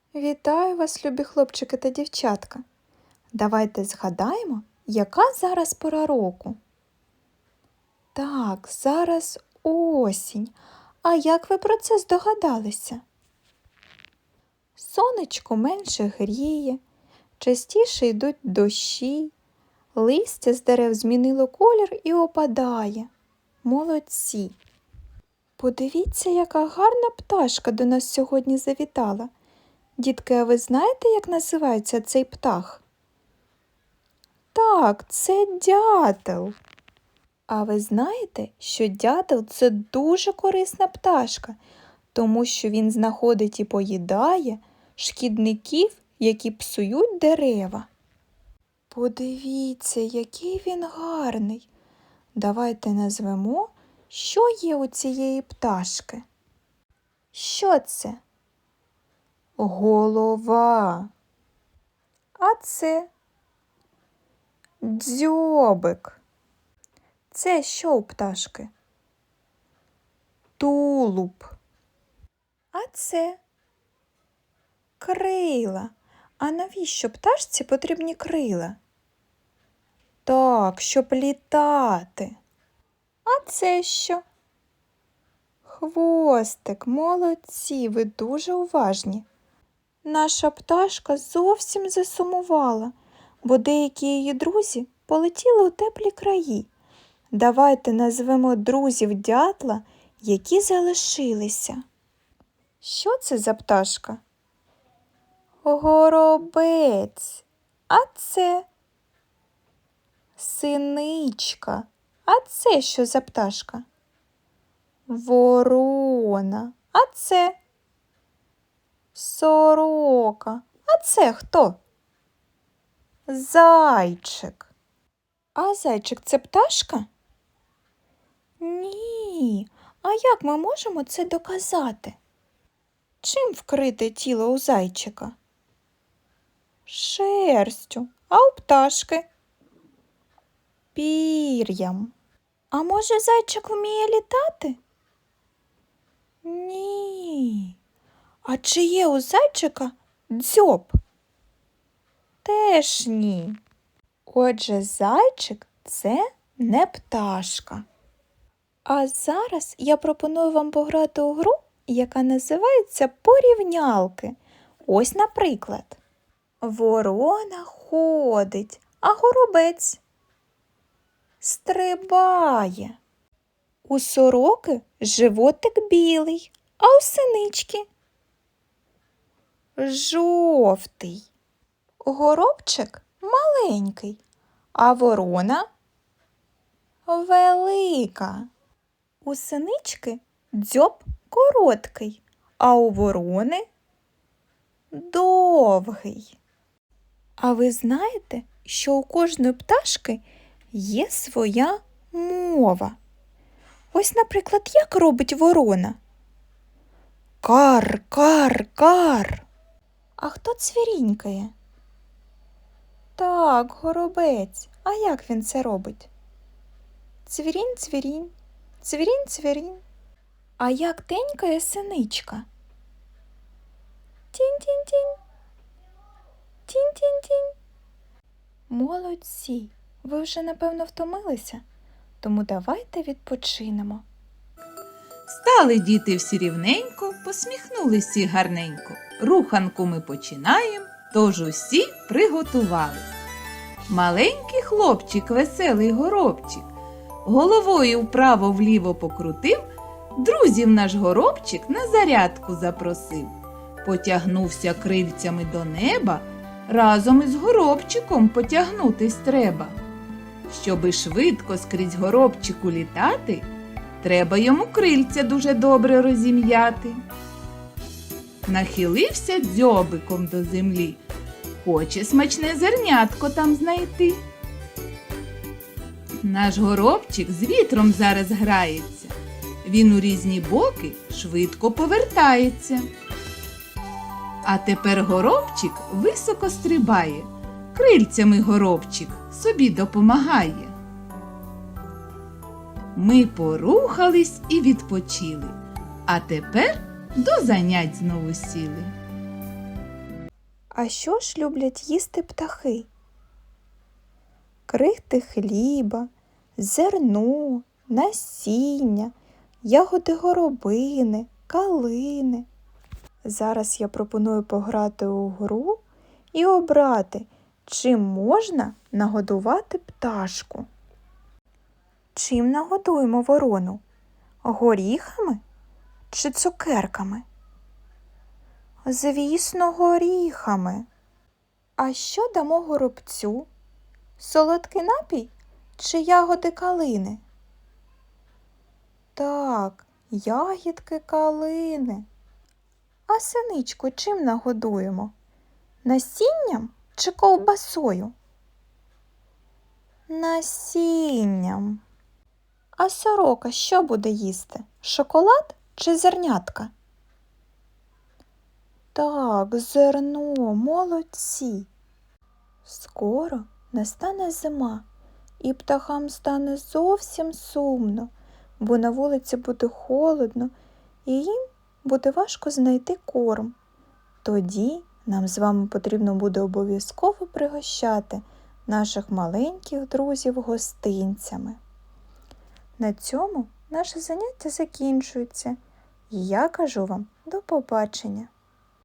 Вітаю вас, любі хлопчики та дівчатка. Давайте згадаємо, яка зараз пора року. Так, зараз осінь. А як ви про це здогадалися? Сонечко менше гріє, частіше йдуть дощі, листя з дерев змінило колір і опадає. Молодці! Подивіться, яка гарна пташка до нас сьогодні завітала. Дітки, а ви знаєте, як називається цей птах? Так, це дятел. А ви знаєте, що дятел – це дуже корисна пташка, тому що він знаходить і поїдає шкідників, які псують дерева. Подивіться, який він гарний. Давайте назвемо, що є у цієї пташки. Що це? Голова. А це дзьобик. Це що у пташки? Тулуб. А це крила. А навіщо пташці потрібні крила? Так, щоб літати. А це що? Хвостик. Молодці, ви дуже уважні. Наша пташка зовсім засумувала, бо деякі її друзі полетіли у теплі краї. Давайте назвемо друзів дятла, які залишилися. Що це за пташка? Горобець. А це синичка. А це що за пташка? Ворона. А це сорока. А це хто? Зайчик. А зайчик – це пташка? Ні. А як ми можемо це доказати? Чим вкрите тіло у зайчика? Шерстю. А у пташки? Пір'ям. А може зайчик вміє літати? Ні. А чи є у зайчика дзьоб? Теж ні. Отже, зайчик – це не пташка. А зараз я пропоную вам пограти у гру, яка називається порівнялки. Ось, наприклад. Ворона ходить, а горобець стрибає. У сороки животик білий, а у синички жовтий. Горобчик маленький, а ворона велика. У синички дзьоб короткий, а у ворони довгий. А ви знаєте, що у кожної пташки є своя мова? Ось, наприклад, як робить ворона? Кар, кар, кар. А хто цвірінькає? Так, горобець. А як він це робить? Цвірінь, цвірінь, цвірінь, цвірінь. А як тенькає синичка? Тінь-тінь-тінь, тінь-тінь-тінь. Молодці! Ви вже, напевно, втомилися? Тому давайте відпочинемо. Стали діти всі рівненько, посміхнулись всі гарненько. Руханку ми починаємо, тож усі приготувались. Маленький хлопчик, веселий горобчик, головою вправо-вліво покрутив, друзів наш горобчик на зарядку запросив. Потягнувся крильцями до неба, разом із горобчиком потягнутись треба. Щоби швидко скрізь горобчику літати, треба йому крильця дуже добре розім'яти. Нахилився дзьобиком до землі, хоче смачне зернятко там знайти. Наш горобчик з вітром зараз грається, він у різні боки швидко повертається. А тепер горобчик високо стрибає, крильцями горобчик собі допомагає. Ми порухались і відпочили, а тепер до занять знову сіли. А що ж люблять їсти птахи? Крихти хліба, зерно, насіння, ягоди горобини, калини. Зараз я пропоную пограти у гру і обрати, чим можна нагодувати пташку. Чим нагодуємо ворону? Горіхами чи цукерками? Звісно, горіхами. А що дамо горобцю? Солодкий напій чи ягоди калини? Так, ягідки калини. А синичку чим нагодуємо? Насінням чи ковбасою? Насінням. А сорока що буде їсти? Шоколад чи зернятка? Так, зерно, молодці. Скоро настане зима, і птахам стане зовсім сумно, бо на вулиці буде холодно, і їм буде важко знайти корм. Тоді нам з вами потрібно буде обов'язково пригощати наших маленьких друзів гостинцями. На цьому наше заняття закінчується, і я кажу вам до побачення.